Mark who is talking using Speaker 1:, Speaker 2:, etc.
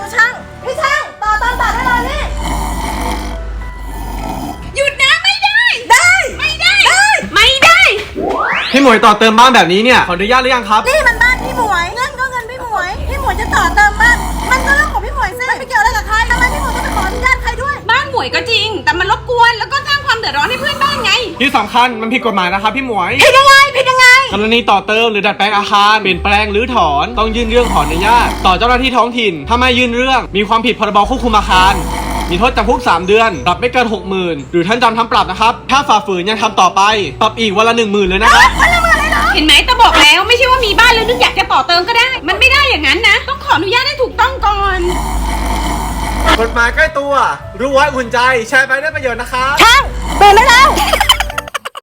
Speaker 1: ช่างพี่ช่างต่อเติมบัตรให้เลยนี่หยุดนะไม่ได้ไม่ได้
Speaker 2: พี่หมวยต่อเติมบ้านแบบนี้เนี่ยขออนุญาตหรือยังครับ
Speaker 1: นี่มันบ้านพี่หมวยเงินก็เงินพี่หมวยจะต่อเติมบ้านมันก็เรื่องของพี่หมวยสิไม่เกี่ยวอะไรกับใครทำไมพี่หมวยต้องไปขออนุญาตใครด้วย
Speaker 3: บ้านหมวยก็จริงแต่มันรบกวนแล้วก็สร้างความเดือดร้อนให้เพื่อนบ้านไง
Speaker 2: ที่สำคัญมันผิดกฎหมายนะครับพี่หมวย
Speaker 1: ผิดยังไง
Speaker 2: กรณีต่อเติมหรือดัดแปลงอาคารเปลี่ยนแปลงหรือถอนต้องยื่นเรื่องขออนุญาตต่อเจ้าหน้าที่ท้องถิ่นถ้าไม่ยื่นเรื่องมีความผิดพรบควบคุมอาคารมีโทษจำคุก3 เดือนปรับไม่เกิน 60,000 หรือท่านจำทั้งปรับนะครับถ้าฝ่าฝืนยังทำต่อไปปรับอีกวันละ 10,000 เลยนะครับ
Speaker 3: เห็นไหมตาบอกแล้วไม่ใช่ว่ามีบ้านแล้วนึกอยากจะต่อเติมก็ได้มันไม่ได้อย่างนั้นนะต้องขออนุญาตให้ถูกต้องก่อน
Speaker 2: กฎหมายใกล้ตัวรู้ไว้อุ่นใจแชร์ไปได้ประโยชน์นะครับ
Speaker 1: ช่างเปิดได้แล้ว